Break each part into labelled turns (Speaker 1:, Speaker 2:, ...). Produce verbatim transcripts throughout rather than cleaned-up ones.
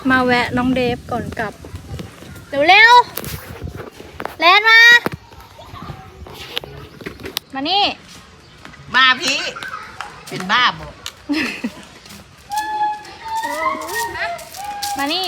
Speaker 1: มาแวะน้องเดฟก่อนกลับเร็วๆแลนมามานี่
Speaker 2: มาพี่เป็นบ้าบ่
Speaker 1: มานี่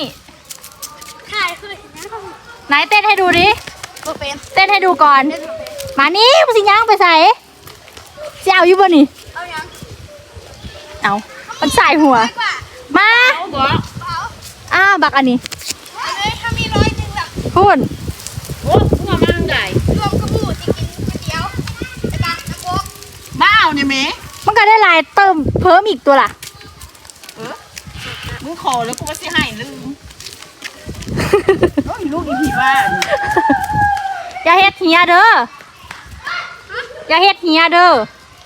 Speaker 1: ไหนเต้นให้ดูดิเต้นให้ดูก่อนมานี่มันสิย่างไปใส่เจ้าอยู่บ่นี่เอายังเอามันใส่หัวมาอ้าบักอันนี้ถ้ามีร้อยหนึ่งแบบพูด
Speaker 2: โอ้พวกมันได้
Speaker 3: รวมกระบูจะกินก๋วยเตี๋ยวไอ้บ้าน้ำโค้ก
Speaker 2: บ้าเนี่ยแม่
Speaker 1: มันก็ได้ลายเติมเพิ่มอีกตัวล่ะ
Speaker 2: เออมึงขอแล้วกูว่าสิให้ลืมโอ้ยลูกอีผีบ้าน
Speaker 1: อย่าเฮ็ดเฮียเด้ออย่าเฮ็ดเฮียเด้อ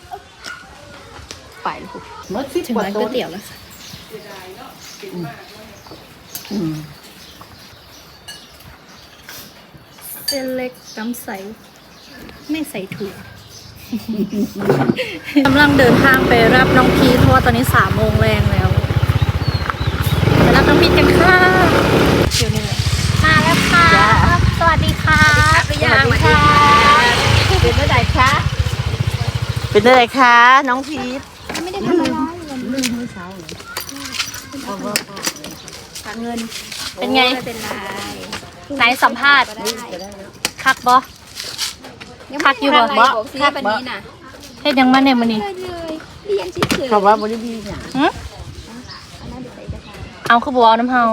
Speaker 1: ไปลูกถึงร้านก๋วยเตี๋ยวแล้วค่ะเส้นเล็กน้ำใสไม่ใส่ถั่วกำลังเดินทางไปรับน้องพีทเพราะว่าตอนนี้สามโมงแรงแล้วไปรับน้องพีทกันค่ะเดี๋ยวนี้เลยมาแล้วค่ะสวัสดีค่ะสวัสดีค่ะ
Speaker 2: เป็นเมื่อไหร่คะเป็นเมื่อไหร่คะน้องพีท
Speaker 3: ไม่ได้ทำอะไร
Speaker 2: ลืมเมื่อเช้าเลย
Speaker 1: ฝากเงินเป็นไงเป็นไรไหนสัมภาษณ์คักบอคักอยู่บ่บ่คักบ่เฮ็ดยังมาเนี่ยมันนี่
Speaker 2: เขาว่าบริบีเนี่ย
Speaker 1: เอาคือบัวน้ำเฮา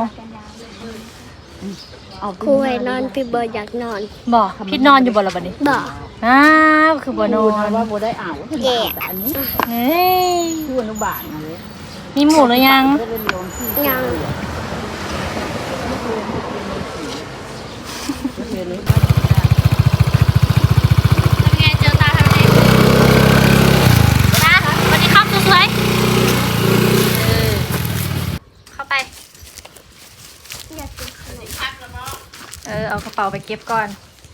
Speaker 3: ครูให้นอนพี่เบิร์ดอยากนอน
Speaker 1: บ่พี่นอนอยู่บ่ละบัดนี้
Speaker 3: บ่
Speaker 1: อ้าวคือบ่นอน
Speaker 2: ว่าบ่ได้อ่าว
Speaker 3: แย่
Speaker 2: อันนี้
Speaker 1: เฮ้ย
Speaker 2: คืออนุบาลเลย
Speaker 1: มีหมูหรือยัง
Speaker 3: ยัง
Speaker 1: ไงเจอตาทำไงตาสวัสดีครับสวยๆเออเข้าไปเออเอากระเป๋าไปเก็บก่อน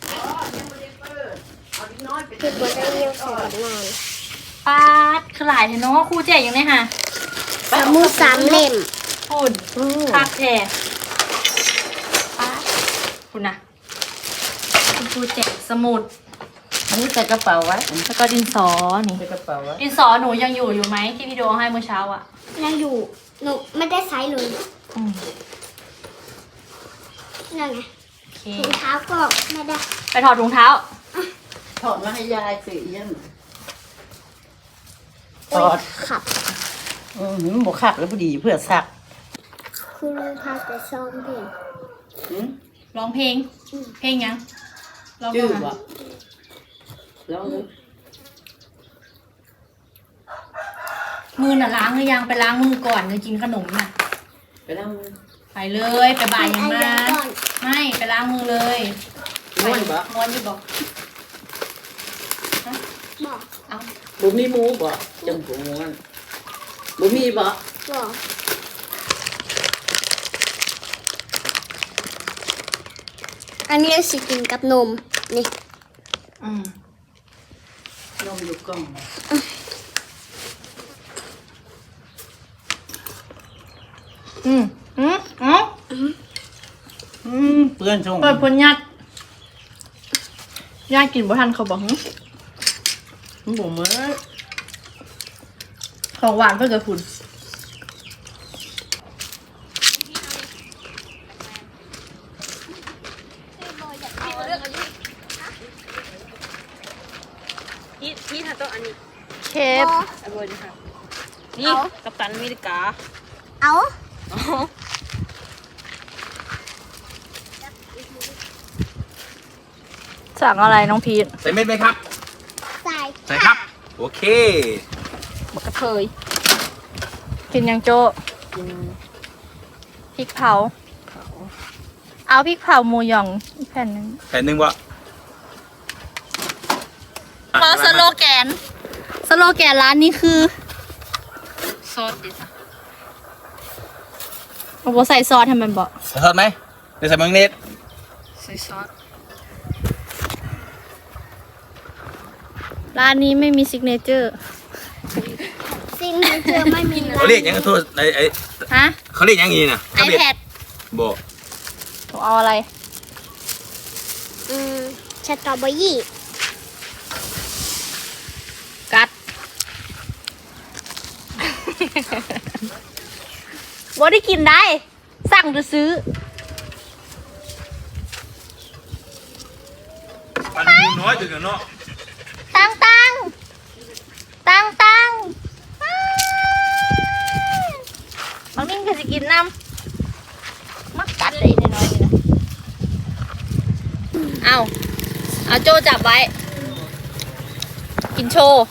Speaker 3: พี่เบิร์ดได้เยี่ยวใส่กับนอน
Speaker 1: ปาดขลายเนาะครูแจกยังไงฮะ
Speaker 3: สมุดสามเล่ม
Speaker 1: ฝุ่นคักแท้ปาดคุณนะคุณครูแจกสมุด
Speaker 2: อันนี้ใส่กระเป๋าไว้
Speaker 1: แล้วก็ดินสอนี่
Speaker 2: ใส่กระเป๋าไว้
Speaker 1: ดินสอหนูยังอยู่อยู่ไหมที่พี่โดให้เมื่อเช้าอ่ะ
Speaker 3: ยังอยู่หนูไม่ได้ใช้เลยนั่นไงถุงเท้าก็ไม่ได้
Speaker 1: ไปถอดถุงเท้า
Speaker 2: ถอดมาให้ยายสิยัง
Speaker 3: ถอดขับ
Speaker 2: อืมมันบวขับแล้วพอดีเพื่อซัก
Speaker 3: คือพาแต่ซ้อมเพลง
Speaker 1: ร้องเพลงเพลงยังร้อง
Speaker 2: จืดวะแล้ว
Speaker 1: มือน่ะล้างหรือยังไปล้างมือก่อนจะกินขนมน่ะ
Speaker 2: ไปล้างมือ
Speaker 1: ไปเลยไปบ่ายยังมาไม่ไปล้างมือเลย
Speaker 2: ม้วนบ่
Speaker 1: ม้วนอยู่บอก
Speaker 3: บอก
Speaker 1: เอา
Speaker 2: บุมีมูบ่จังบุม้วนบุมีบ่
Speaker 3: บอกอันนี้สิกินกับนมนี่
Speaker 1: อืม
Speaker 2: นมอยู่กล่อง
Speaker 1: อืมอืมอ๋อ
Speaker 2: อืมเปื้อนชง
Speaker 1: เปิดพนยัดญาติกินบ่ทันเขาบอกหึ
Speaker 2: มันบ่เหมือน
Speaker 1: ของหวานเพื่อเกิดผุน
Speaker 4: นี่นี่ถ้าตัวอันนี้
Speaker 1: เคฟ
Speaker 4: อร่อยดีค่ะนี่กัปตันอเมริกา
Speaker 3: เอา
Speaker 1: สั่งอะไรน้องพีท
Speaker 5: ใส่เม็ดไหมครับ
Speaker 3: ใส่
Speaker 5: ใส่ครับโอเค
Speaker 1: บักกระเทยกินยังโจกินพริกเผาเอาพริกเผาหมูหยองอีกแผ่นนึง
Speaker 5: แผ่นหนึ่งวะ
Speaker 1: รอสโลแกนสโลแกนร้านนี้คือซอสดิจ้ะโอ้โหใส่ซอสทำมันบอก
Speaker 5: ใส่ซอสไหมได้ใส่มังเนส
Speaker 1: ใส่ซอสร้านนี้ไม่มีซิกเนเจอร์
Speaker 3: ซิกเนเจอร์ไม่มี
Speaker 5: เขาเรียกยังโทษไอ้ไอ้
Speaker 1: ฮะ
Speaker 5: เขาเรียกยังงี้นะ
Speaker 1: ไอแพด
Speaker 5: บอก
Speaker 1: หนูเอาอะไร
Speaker 3: อืมสตรอเบอรี่
Speaker 1: กัด บ่ได้กินได้ สั่งจะซื้อ
Speaker 5: ปันมูน้อยถึงเนาะ
Speaker 1: ตังตังตังตังบางนิ่งก็จะกินน้ำมักกัดเลยน้อยๆนี่นะเอาเอาโจจับไว้ กินโชว์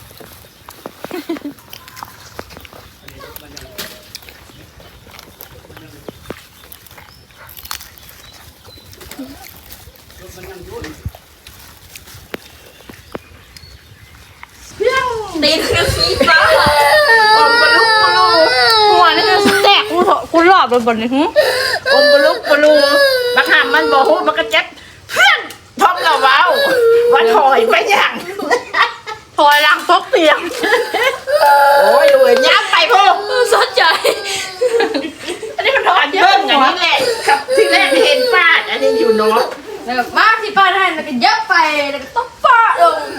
Speaker 1: ตีนคือขี้ฟ้าอมบลุกบลูหัวนี่จะแตกกูเถอะกูหลอบเลยบนนี้หึ
Speaker 2: อมบลุกบลูบักหามมันบ่ฮู้มันก็เจ็บเพื่อนพร้อมเราเว้าว่าถอยไปหยัง
Speaker 1: ถอยหลังตกเตียง
Speaker 2: โอ้ยเว้ยยับไปพวก
Speaker 1: สนใจ
Speaker 2: อันนี้มันถอนเยอะอย่างนี้แหละครับที่แรกเห็นป้าอันนี้อยู่เนาะ
Speaker 1: แบบมากที่ป้าได้แล้วก็เยอะไปแล้วก็ต้องป้าลง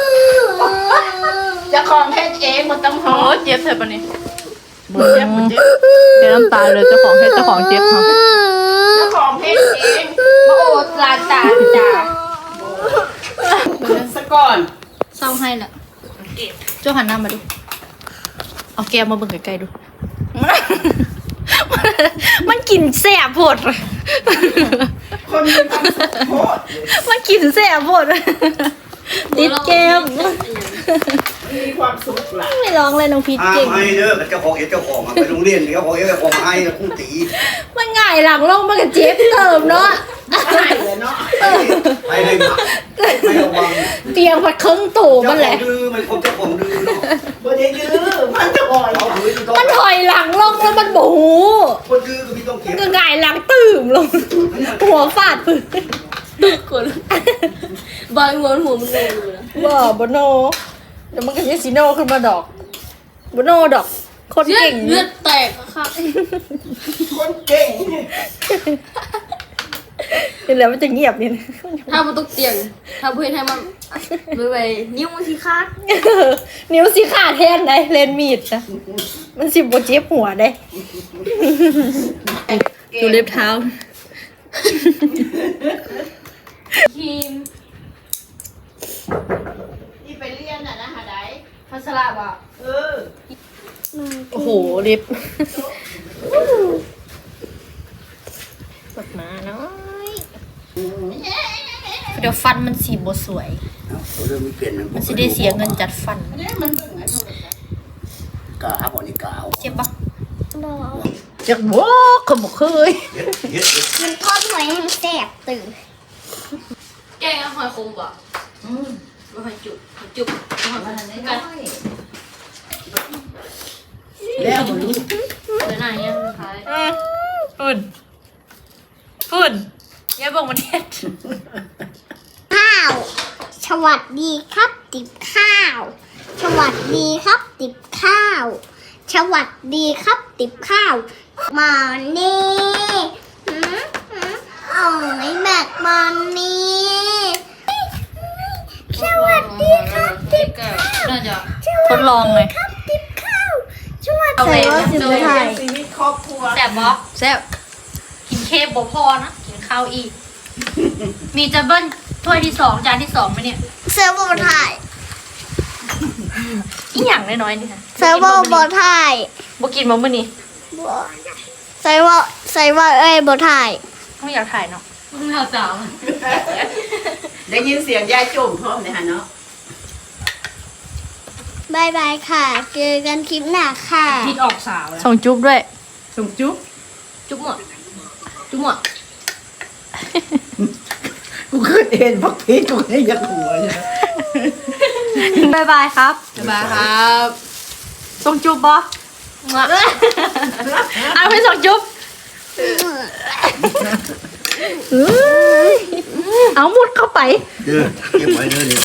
Speaker 2: เจะของเฮ็ดเองมันต้องหอ
Speaker 1: โอ้
Speaker 2: ม
Speaker 1: เจ็บเถอะปะนี่
Speaker 2: บ่เจ็บบ่เจ็บ
Speaker 1: เจ็บน้ำตาเลยเจ้าของให้เจ้าของเจ็บเขา
Speaker 2: เจ้าของเฮ็ดเอง
Speaker 1: มาโอดลาตาจ้า
Speaker 2: สะก่อน
Speaker 1: เศร้าให้ละเจ้าหันหน้ามาดูเอาแก้วมาเบิ่งใกล้ๆดู มันกินแสบโพด
Speaker 2: คนมีความสุขโคตร
Speaker 1: มันกินแสบโพดติดแก้ม
Speaker 2: มีความสุขหลาย
Speaker 1: ไม่ร้องเลยน้องพีช
Speaker 6: ห้า
Speaker 1: เก่ง
Speaker 6: มให้เด้อเจ้าของเอ็ดเจ้าของอะไปโรงเรียนเจ้าของเอ็ดเจ้าของให้แล้วคู่ตี
Speaker 1: มันง่ายหลังลงมันก็เจ็บเติมเนาะ
Speaker 2: ใช่เลยเนาะ
Speaker 6: ให้ให้หมักไม่ระวัง
Speaker 1: เตียงพัดครึ่งตู่
Speaker 6: เจ้า
Speaker 1: มัน
Speaker 6: ข
Speaker 1: แห
Speaker 6: อ
Speaker 1: ละ
Speaker 6: งดื้อมันคนเจ้าของดื้อเนาะ
Speaker 2: บ่ได้ดื้อมันจะอ่อย
Speaker 6: เอาหืนต้อง
Speaker 1: มันถอยหลังลงแล้วมันโบหู
Speaker 6: คนดื้อก็ไม่ต้องเก็บ
Speaker 1: ก็ง่ายหลังตื่มลง หัวฟาดพื้น
Speaker 4: คนบางหัวหัวมันงงอยู่นะ
Speaker 1: บ่บโนเดี๋ยวมันก็จะซีโนขึ้นมาดอกบโนดอก คน
Speaker 4: เลือด
Speaker 1: เก่ง
Speaker 4: เลือดแตกอะค่ะ
Speaker 2: คนเก่ง
Speaker 1: เดี๋ยวแล้วมันจะเงียบนี่นะ
Speaker 4: ถ้ามันต้องเตียงถ้าเพื่อนให้มันไปไปนิ้วมันที่คาด
Speaker 1: นิ้วสีขาดแทนได้เลนมีดนะมันสิบโบเจ็บหัวได้ดูเล็บเท้า
Speaker 4: ครีม
Speaker 2: ที่ไปเรียนน่ะนะหาได้
Speaker 4: พัสระว่ะ
Speaker 2: เออ
Speaker 1: โอ้โหเล็บปวดมาน้อยเดี๋ยวฟันมันสีบสวย
Speaker 6: เอาเรื่องไม่เปลี่ยน
Speaker 1: มันสิได้เสียเงินจัดฟัน
Speaker 2: เนี่ยมันเบิ่งไอ้พวกนั้น
Speaker 6: กาบ่นี่กาว
Speaker 1: เจ็บปะ
Speaker 2: จักบ่ขมเคย
Speaker 6: เฮ็ดเฮ็ด
Speaker 3: มันทอดหอยให้มันแสบตื่น
Speaker 4: แกงหอยคมว่ะอืมหอยจุบหอยจุบหอยอะไรกัน
Speaker 2: แล้วบ่รู้
Speaker 4: เลยไหนยังสุดท้าย
Speaker 1: ฝุ่นฝุ่นอย่าบอกมันเฮ็ด
Speaker 3: ข้าว สวัสดีครับติบข้าว สวัสดีครับติบข้าว สวัสดีครับติบข้าว มานี่หืมหืมอ๋อไอ้แม็กมานี่สวัสดีครับติบข้าว
Speaker 4: น่าจะ
Speaker 1: ทดลองเลย
Speaker 3: ครับติบข้าวสวัส
Speaker 1: เอา
Speaker 3: ดี
Speaker 1: ไป
Speaker 3: ครับ
Speaker 1: เอาไป
Speaker 2: ชีวิตครอบครัว
Speaker 1: แซ่บบ่แซ่บกินเค้กบ่พอนะกินข้าวอีก มีจะเบิ้ลถ้วยที่สองจานที่สองไหมเนี่ย
Speaker 3: เซิร์ฟเวอร์ถ่าย
Speaker 1: อีหยังน้อยๆนี่ค่ะ
Speaker 3: เซิร์ฟเวอร์บอถ่าย
Speaker 1: บ่กินบ่มื้อนี้
Speaker 3: เซิร์ฟเวอร์เซิร์ฟเวอร์เอ้ยบอถ่าย
Speaker 1: ไม่อยากถ่ายเนาะ
Speaker 4: มึงเอาสาว
Speaker 2: ได้ยินเสียงยายจุ่มพร้อมเลยฮะเนาะ
Speaker 3: บายบายค่ะ เจอกันคลิปหน้าค่ะ
Speaker 4: พิษออกสาวแล้ว
Speaker 1: ส่งจุ๊บด้วย
Speaker 2: ส่งจุ๊บ
Speaker 4: จุ๊บหมดจุ๊บหมด
Speaker 2: กูขึ้นเห็นพักพีกูให้ยักหัวเลย
Speaker 1: บายบายครับ
Speaker 4: บ๊ายบายครับ
Speaker 1: ส่งจุ๊บบ่เอาไปส่งจุ๊บเอามุดเข้าไป
Speaker 6: เด้อเก็บไว้เด้อเนี่ย